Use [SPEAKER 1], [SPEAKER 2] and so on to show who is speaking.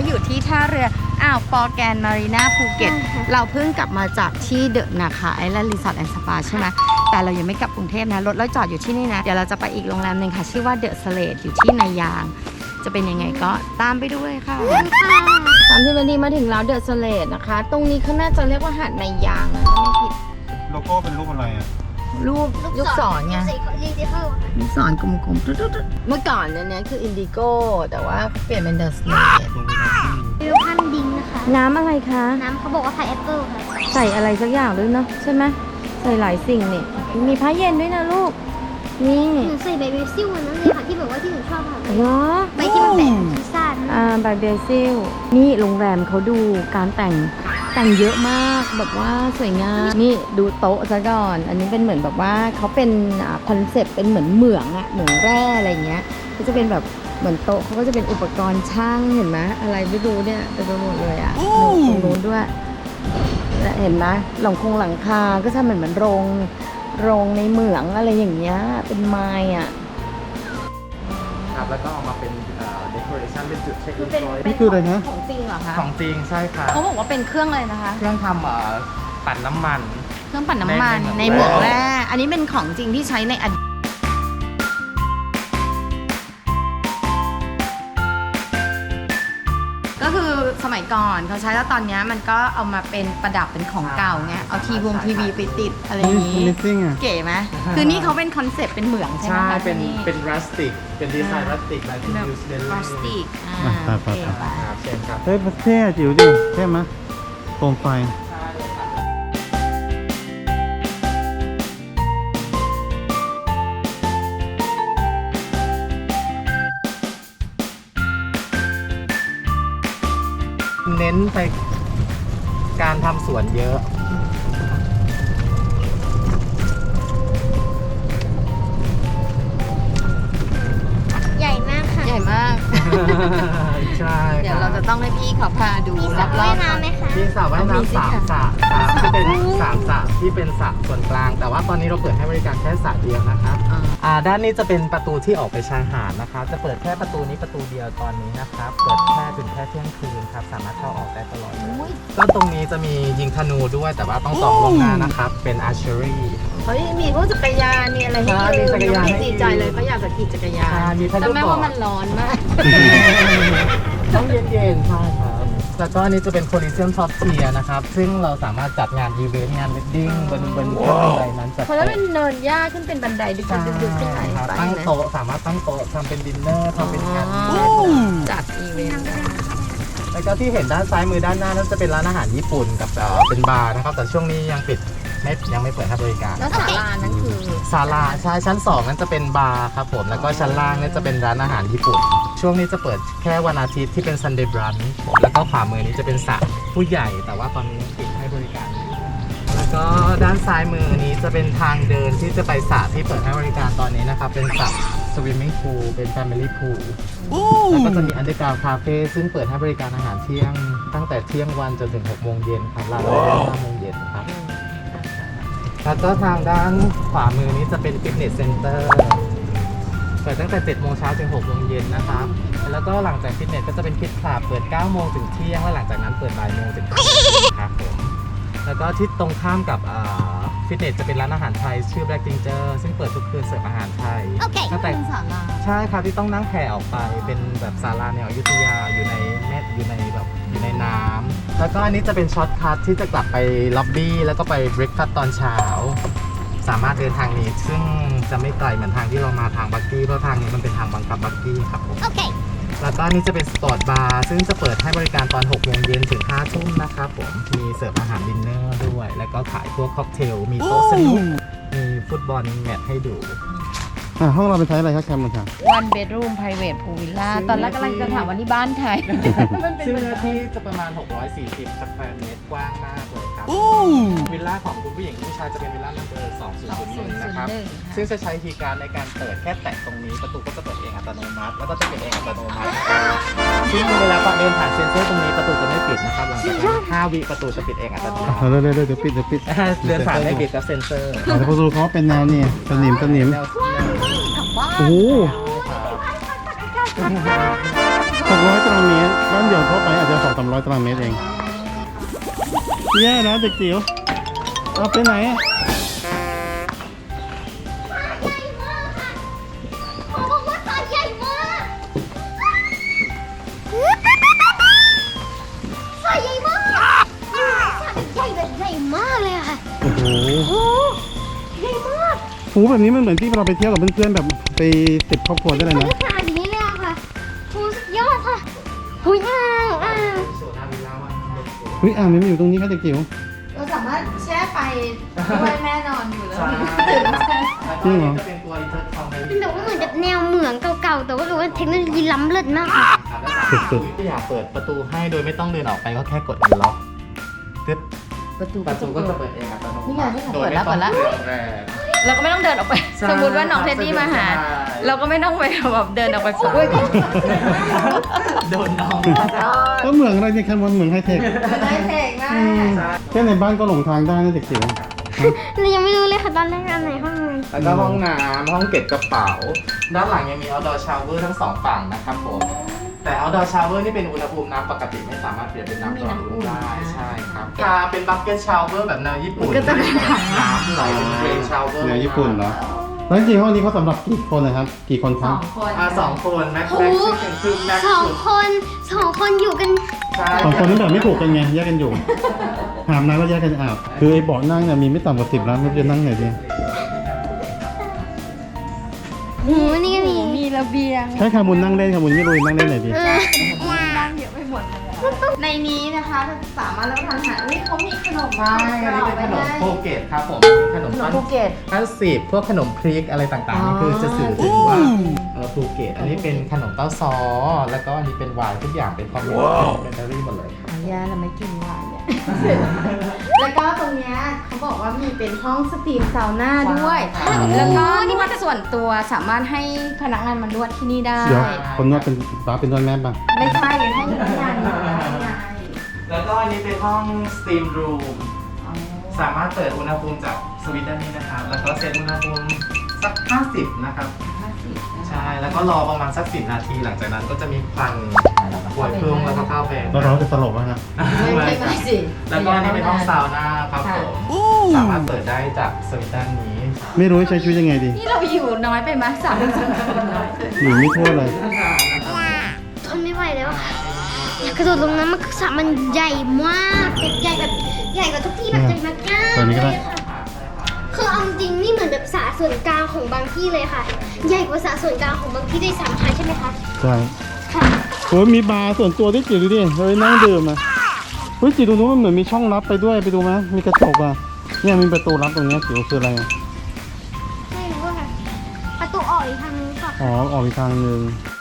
[SPEAKER 1] อยู่ที่ท่าเรืออ่าวปอแกนมารีนาภูเก็ตเราเพิ่งกลับมาจากที่เดอะนะคะไอแลนด์รีสอร์ทแอนด์สปาใช่ไหมแต่เรายังไม่กลับกรุงเทพนะรถเราจอดอยู่ที่นี่นะเดี๋ยวเราจะไปอีกโรงแรมหนึ่งค่ะชื่อว่าเดอะสเลดอยู่ที่นายางจะเป็นยังไงก็ตามไปดูเลยค่ะ30 นาทีมาถึงแล้วเดอะสเลดนะคะตรงนี้เขาน่าจะเรียกว่าหาดนายางนะไม่ผิด
[SPEAKER 2] โลโก้เป็นรูปอะไรอ่ะ
[SPEAKER 1] รูปลูกศรไง ลูกศรกลมๆเมื่อก่อนเนี่ยคืออินดิโก้แต่ว่าเปลี่ยนเป็นเดอะสเลด
[SPEAKER 3] วิวพันดิงนะคะ
[SPEAKER 1] น้ำอะไรคะ
[SPEAKER 3] น้ำเขาบอกว่าพายแอปเปิลค่ะ
[SPEAKER 1] ใส่อะไรสักอย่างด้วยเนาะใช่ไหมใส่หลายสิ่งนี่มีผ้าเย็นด้วยนะลูกนี่
[SPEAKER 3] หนูใส่ใบเบซิลวันนั้นเลยค่ะที่แบบว่าที่หนูชอบค่ะ
[SPEAKER 1] เหรอ
[SPEAKER 3] ใบที่มันแปะพิซซ่านะ
[SPEAKER 1] ใบเบซิลนี่โรงแรมเขาดูการแต่งเยอะมากแบบว่าสวยงามนี่ดูโต๊ะซะก่อนอันนี้เป็นเหมือนแบบว่าเขาเป็นคอนเซ็ปต์เป็นเหมือนเหมืองอะเหมืองแร่อะไรเงี้ยก็จะเป็นแบบเหมือนโต๊ะเขาก็จะเป็นอุปกรณ์ช่างเห็นไหมอะไรไม่รู้เนี่ยเต็มไปหมดเลยอะตรงนู้นด้วยและเห็นไหมหลังคาก็ทำเหมือนโรงในเหมืองอะไรอย่างเงี้ยเป็นไม้อะ
[SPEAKER 4] ครับแล้วก็ออกมาเป็นเดคอเรชั่นเป็นจุดเช็คอินพอยต์
[SPEAKER 2] นี่คืออะไรนะ
[SPEAKER 1] ของจริงเหรอคะ
[SPEAKER 4] ของจริงใช่ครับ
[SPEAKER 1] เขาบอกว่าเป็นเครื่องอะไรนะคะ
[SPEAKER 4] เครื่องทำปั่นน้ำมัน
[SPEAKER 1] เครื่องปั่นน้ำมัน
[SPEAKER 4] ใน
[SPEAKER 1] ใน
[SPEAKER 4] เห
[SPEAKER 1] เห
[SPEAKER 4] มื
[SPEAKER 1] มื
[SPEAKER 4] อ
[SPEAKER 1] อง ง
[SPEAKER 4] แร่
[SPEAKER 1] แร่อันนี้เป็นของจริงที่ใช้ในอดีตก็คือสมัยก่อนเขาใช้แล้วตอนนี้มันก็เอามาเป็นประดับเป็นของเก่าไงเอาทีวีไปติดอะไรอย่างนี้
[SPEAKER 2] Amazing อ่ะ
[SPEAKER 1] เก๋ไหมคือนี่เขาเป็นคอนเซ็ปต์เป็นเหมืองใช่ไหม
[SPEAKER 4] ใช่
[SPEAKER 1] คะ
[SPEAKER 4] เป็น
[SPEAKER 1] ที่
[SPEAKER 4] เป็นรัสติกเป็นดีไซน์รัสติกแบบ
[SPEAKER 1] แบบ
[SPEAKER 4] ยูสเดล
[SPEAKER 1] พลาสติก
[SPEAKER 2] ไป
[SPEAKER 1] เก๋ปะ
[SPEAKER 4] ครับเช่นครับ
[SPEAKER 2] เฮ้ยเท่จิ๋วดิเท่ไหมโคมไฟ
[SPEAKER 4] เน้นไปการทำสวนเยอะ
[SPEAKER 3] ใหญ่มากค่ะ
[SPEAKER 1] ใหญ่มาก
[SPEAKER 4] ใช่
[SPEAKER 1] เดี๋ยวเราจะต้องให้พี่เขาพาดู
[SPEAKER 3] มีส
[SPEAKER 1] ร
[SPEAKER 3] ระว่าย
[SPEAKER 1] อบๆ
[SPEAKER 3] น้ำไหมคะ
[SPEAKER 4] มีสระว่าย
[SPEAKER 1] มีสิ
[SPEAKER 4] น้ำ
[SPEAKER 1] ค่ะ
[SPEAKER 4] สระที่เป็น3 สระที่เป็นสระส่วนกลาง แต่ว่าตอนนี้เราเปิดให้บริการแค่สระเดียวนะครับ ด้านนี้จะเป็นประตูที่ออกไปชายหาดนะครับจะเปิดแค่ประตูนี้ประตูเดียวตอนนี้นะครับเปิดแค่ถึงแค่เที่ยงคืนครับสามารถเข้าออกได้ตลอดเลยก็ตรงนี้จะมียิงธนูด้วยแต่ว่าต้องจองล่วงหน้านะครับเป็น archery
[SPEAKER 1] เฮ้ยมีพวกจักรยานมีอะไรให้
[SPEAKER 4] ใช่มีจักรยานให้
[SPEAKER 1] ดีใจเลยเขาอยากจะขี่จักรยาน
[SPEAKER 4] ใช่มีพัดลม
[SPEAKER 1] แต่แม้ว่ามันร้อนมาก
[SPEAKER 4] ต้องเย็นๆใช่ครับแล้วก็อันนี้จะเป็น Coliseum Top Tier นะครับซึ่งเราสามารถจัดงานอีเวนต์งานเวดดิ้งบนบันไดนั้นจัด
[SPEAKER 1] เพราะว่าเป็นเนินหญ้าขึ้นเป็นบันไดดึกๆขึ้นไหน
[SPEAKER 4] ครับ
[SPEAKER 1] ไป
[SPEAKER 4] ตั้ง
[SPEAKER 1] นะ
[SPEAKER 4] โต๊ะสามารถตั้งโต๊ะทำเป็นดินเนอร์ทำเป็นงานอีเว
[SPEAKER 1] อ๋
[SPEAKER 4] น
[SPEAKER 1] อ
[SPEAKER 4] ต์
[SPEAKER 1] จัดอีเวนต์
[SPEAKER 4] แล้วก็ที่เห็นด้านซ้ายมือด้านหน้านั่นจะเป็นร้านอาหารญี่ปุ่นกับเป็นบาร์นะครับแต่ช่วงนี้ยังปิดยังไม่เปิดให้บริการ
[SPEAKER 1] แล้วศาลานั้นคือ
[SPEAKER 4] ศาลาใช่ชั้น2นั้นจะเป็นบาร์ครับผมแล้วก็ชั้นล่างเนี่ยจะเป็นร้านอาหารญี่ปุ่น ช่วงนี้จะเปิดแค่วันอาทิตย์ที่เป็น Sunday brunch แล้วก็ขวามือนี้จะเป็นสระผู้ใหญ่แต่ว่าตอนนี้ยังปิดให้บริการอยู่แล้วก็ด้านซ้ายมือนี้จะเป็นทางเดินที่จะไปสระที่เปิดให้บริการตอนนี้นะครับเป็นสระ swimming pool เป็น family pool แล้วก็จะมี underground cafe ซึ่งเปิดให้บริการอาหารเที่ยงตั้งแต่เที่ยงวันจนถึง6 โมงเย็นครับร้านเปิด5 โมงเย็นครับแล้วก็ทางด้านขวามือนี้จะเป็น fitness center เปิดตั้งแต่ 7 โมงเช้าถึง 6 โมงเย็นนะครับ แล้วก็หลังจากฟิตเนสก็จะเป็นคิดคลับเปิด 9 โมงถึงเที่ยง และหลังจากนั้นเปิดบ่ายโมงถึงครับผม แล้วก็ที่ตรงข้ามกับฟิตเนสจะเป็นร้านอาหารไทยชื่อ Black Ginger ซึ่งเปิดทุกคืนเสิร์ฟอาหารไทย
[SPEAKER 3] โอเค
[SPEAKER 4] ก็แต่
[SPEAKER 1] เป็นศาลา
[SPEAKER 4] ใช่ครับที่ต้องนั่งแพออกไปเป็นแบบศาลาแนวอยุธยาอยู่ในอยู่ในน้ำแล้วก็อันนี้จะเป็นช็อตคัทที่จะกลับไปล็อบบี้แล้วก็ไปเบรคฟาสต์ตอนเช้า สามารถเดินทางนี้ซึ่งจะไม่ไกลเหมือนทางที่เรามาทางบักกี้เพราะทางนี้มันเป็นทางบังคับบักกี้ครับผม
[SPEAKER 3] โอเค
[SPEAKER 4] แล้วก็อันนี้จะเป็นสปอร์ตบาร์ซึ่งจะเปิดให้บริการตอน 6 โมงเย็นถึง 5 ทุ่มนะครับผมมีเสิร์ฟอาหารดินเนอร์ด้วย แล้วก็ขายพวกค็อกเทลมีโต๊ะสนุกมีฟุตบอลแมตช์ให้ดู
[SPEAKER 2] ห้องเราเป็นไซส์อะไรครับแคมป์ค่ะ
[SPEAKER 1] one bedroom private pool villa ตอนแรกกำลังจะถามว่านี่บ้านใคร มันเป็น
[SPEAKER 4] ซึ่ง
[SPEAKER 1] เหมือน
[SPEAKER 4] เนื้อที่จะประมาณ 640 สแควร์เมตรกว้างมากเลยครับวิลล่าของคุณผู้หญิงคุณผู้ชายจะเป็นวิลล่านัมเบอร์2001นะครับ ซึ่งจะใช้คีย์การ์ดในการเปิดแค่แตะตรงนี้ประตูก็จะเปิดเองอัตโนมัติแล้วก็จะปิดเองอัตโนมัติซึ่งเวลาเดินผ่านเซ็นเซอร์ตรงนี้ประตูจะไม่ปิดนะครับหลังจากนั้น5 วิประตูจะปิดเองอัตโนมัติ
[SPEAKER 2] เดี๋ยวปิด
[SPEAKER 4] เดินผ่านไม่ปิดกับเซ็นเซอร์
[SPEAKER 2] แต่ประตูเขาเป็นแนวนี่สนิม
[SPEAKER 4] แนว
[SPEAKER 2] โอ้โห 600 ตารางเมตรบ้านเดี่ยวทั่วไปอาจจะ200-300 ตารางเมตรเองแย่แล้วเด็กจิ๋วเอาไปไหนอะ
[SPEAKER 3] เขาบอกว่าสระใหญ่มากสระใหญ่มากสระใหญ่แบบใหญ่มากเลยอะค่ะ
[SPEAKER 2] โอ้โห
[SPEAKER 3] โอ้ใหญ่มาก
[SPEAKER 2] หูแบบนี้มันเหมือนที่เราไปเที่ยวกับเพื่อนๆแบบไป10 ครอบครัวได้เลย
[SPEAKER 3] มัน
[SPEAKER 2] นะ
[SPEAKER 3] ก็ขนาดนี้เลยอะค่ะโอ้สุดยอดค่ะหุยอ่าง
[SPEAKER 4] โซนาวิลล่าวัน
[SPEAKER 2] เฮ้ยอ่างนี้มันอยู่ตรงนี้ครับเด็กจิ๋ว
[SPEAKER 1] เราสามารถแช่ไปด้วยแม่นอนอยู่แล้ว
[SPEAKER 4] ใช่
[SPEAKER 1] ตื่นมาแช่
[SPEAKER 4] แล้วก็อันนี้จะเป็นตัวอินเตอร์คอมเมดี้
[SPEAKER 3] แต่ว่าเหมือนกับแนวเหมืองเก่าๆ แต่ว่ารู้ว่าเทคโนโลยีล้ำเลิศมากค่ะ
[SPEAKER 4] ครับแล้วสามารถอยากเปิดประตูให้โดยไม่ต้องเดินออกไปก็แค่กดอันล็อกตึ๊บ
[SPEAKER 1] ประตู
[SPEAKER 4] ประตูก็จะเปิดเองอัตโนมัติ
[SPEAKER 1] นี่ไงนี่ไง
[SPEAKER 4] โด
[SPEAKER 1] เปิ
[SPEAKER 4] ย
[SPEAKER 1] ด
[SPEAKER 4] ไม่
[SPEAKER 1] แล้ว
[SPEAKER 4] ต้
[SPEAKER 1] เปิ
[SPEAKER 4] อง
[SPEAKER 1] ดแล้ว
[SPEAKER 4] เดินแรง
[SPEAKER 1] เราก็ไม่ต้องเดินออกไป
[SPEAKER 4] ใช่
[SPEAKER 1] สมมติว่าน้องเท็ดดี้มาหา
[SPEAKER 4] ใช่
[SPEAKER 1] เราก็ไม่ต้องไปแบบเดินออกไปปุ๊บ
[SPEAKER 4] โดนน้อง
[SPEAKER 2] ก็เหมืองอะไรเนี่ยแค่เหมืองไฮเทค
[SPEAKER 1] ได้เพลงมาก
[SPEAKER 2] แค่ในบ้านก็หลงทางได้นะเด็กจิ๋ว
[SPEAKER 3] เรายังไม่รู้เลยค่ะตอนแรกอันไหนห้องไหน
[SPEAKER 4] แล้วก็ห้องน้ำห้องเก็บกระเป๋า ด้านหลังยังมี outdoor shower ทั้งสองฝั่งนะครับผม แต่ outdoor shower นี่เป็นอุณหภูมิน้ำปกติไม่สามารถเปลี่ยนเป็นน้ำร้อนได้ใช่ครับถ้าเป็น bucket shower แบบแนวญี่ปุ่น
[SPEAKER 1] ก็จะเป็นถัง
[SPEAKER 4] น้ำไหลเป็น rain shower
[SPEAKER 2] เหนือญี่ปุ่นเหรอแล้วจริงๆห้องนี้เขาสำหรับกี่คนนะครับ กี่คนค
[SPEAKER 1] ส
[SPEAKER 2] รั
[SPEAKER 1] อบ งคน
[SPEAKER 4] สองคนแม็กซ์
[SPEAKER 3] โอ้
[SPEAKER 4] แม็กซ์เป็นคือแม็กซ์
[SPEAKER 3] สอง
[SPEAKER 4] สุด
[SPEAKER 3] คนสองคนอยู่กัน
[SPEAKER 4] ใช่
[SPEAKER 2] 2 คนนั้นแบบไม่ถูกกันไงแยกกันอยู่หามน้ำก็แยกกันอาบคือไอ้เบาะนั่งเนี่ยมีไม่ต่ำกว่า10แล้วไม่รู้จะนั่งไหนดี
[SPEAKER 3] หูนี่ก็มี
[SPEAKER 1] มีระเบียง
[SPEAKER 2] ให้คามุนนั่งเล่นคามุนไม่รู้นั่งเล่นไหนดี
[SPEAKER 3] เออ
[SPEAKER 1] นั่งเยอะไปหมดเลยในนี้นะคะสามารถรับประทานอาหารอุ้ยเขามีขนม
[SPEAKER 4] ใช่อันนี้เป็นขนมโปเกตครับผมขนม
[SPEAKER 1] ขนม
[SPEAKER 4] ปั้น
[SPEAKER 1] ภูเก็ต
[SPEAKER 4] ปั้นสิบพวกขนมพริกอะไรต่างๆนี่คือจะสื่อถึงว่าภูเก็ตอันนี้เป็นขนมเต้าซอแล้วก็อันนี้เป็นไวน์ทุกอย่างเป็นคอมเมนต์เป็นเบอร์รี่หมดเลย
[SPEAKER 1] อ๋อย่าเราไม่กินหวานเนี่ย แล้วก็ตรงเนี้ยเขาบอกว่ามีเป็นห้องสตรีมซาวน่าด้วย
[SPEAKER 4] ใช่
[SPEAKER 1] แล้วก็นวดส่วนตัวสามารถให้พนักงานมานวดที่นี่ได้
[SPEAKER 2] เดี๋ยวคนนวดเป็นป้าเป็นนวดแม่ป่ะ
[SPEAKER 1] ไม่ใช่ให้พนักงานนวดได้ไง
[SPEAKER 4] แล้วก็อันนี้เป็นห้องสตรีมรูมสามารถเปิดอุณหภูมิจากสวิตช์ด้านนี้นะครับแล้วก็เซตอุณหภูมิสัก 50 นะครับ ใช่ แล้วก็รอประมาณสัก 10 นาที หลังจากนั้นก็จะมีควันปวยพุ่งแล้วก็เข้าไป
[SPEAKER 2] แล้วเราจะสลบไหมครับ
[SPEAKER 1] ไม่สิ
[SPEAKER 4] แล้วก็อันนี้เป็นห้องซาวน่าครับผมสามารถเปิดได้จากสวิตช์ด้านนี้
[SPEAKER 2] ไม่รู้จะใช้ชีวิตยังไงดี
[SPEAKER 1] นี่เราอยู่น้อยไปไหมสามคนน้อยเกิน
[SPEAKER 2] อยู่ไม่ทั่วเลย
[SPEAKER 3] ทนไม่ไหวแล้วอะค่ะอยากกระโดดลงน้ำมันสระมันใหญ่มากใหญ่แบบใหญ่กว่าทุกที่แบบใหญ่มากๆ
[SPEAKER 2] ตอนนี้ก็ได้
[SPEAKER 3] เลยค่ะคือเอาจริงนี่เหมือนแบบสระส่วนกลางของบางที่เลยค่ะ ใหญ่กว่าสระส่วนกลางของบางที่ด้วยซ้ำค่ะใช่ไหมคะ
[SPEAKER 2] ใช่
[SPEAKER 3] ค่ะ
[SPEAKER 2] โอ้ยมีบาร์ส่วนตัวด้วยจิ๋วดูดิเฮ้ยนั่งดื่มอ่ะเฮ้ยจิ๋วดูนู้นมันเหมือนมีช่องลับไปด้วยไปดูไหมมีกระจกอ่ะเนี่ยมีประตูลับตรงเนี้ยจิ๋วคืออะไรอ่ะ
[SPEAKER 3] ไม่รู้อะค่ะประตูออกอีกทางนึงค่ะ
[SPEAKER 2] อ๋อออกอีกทางหนึ่ง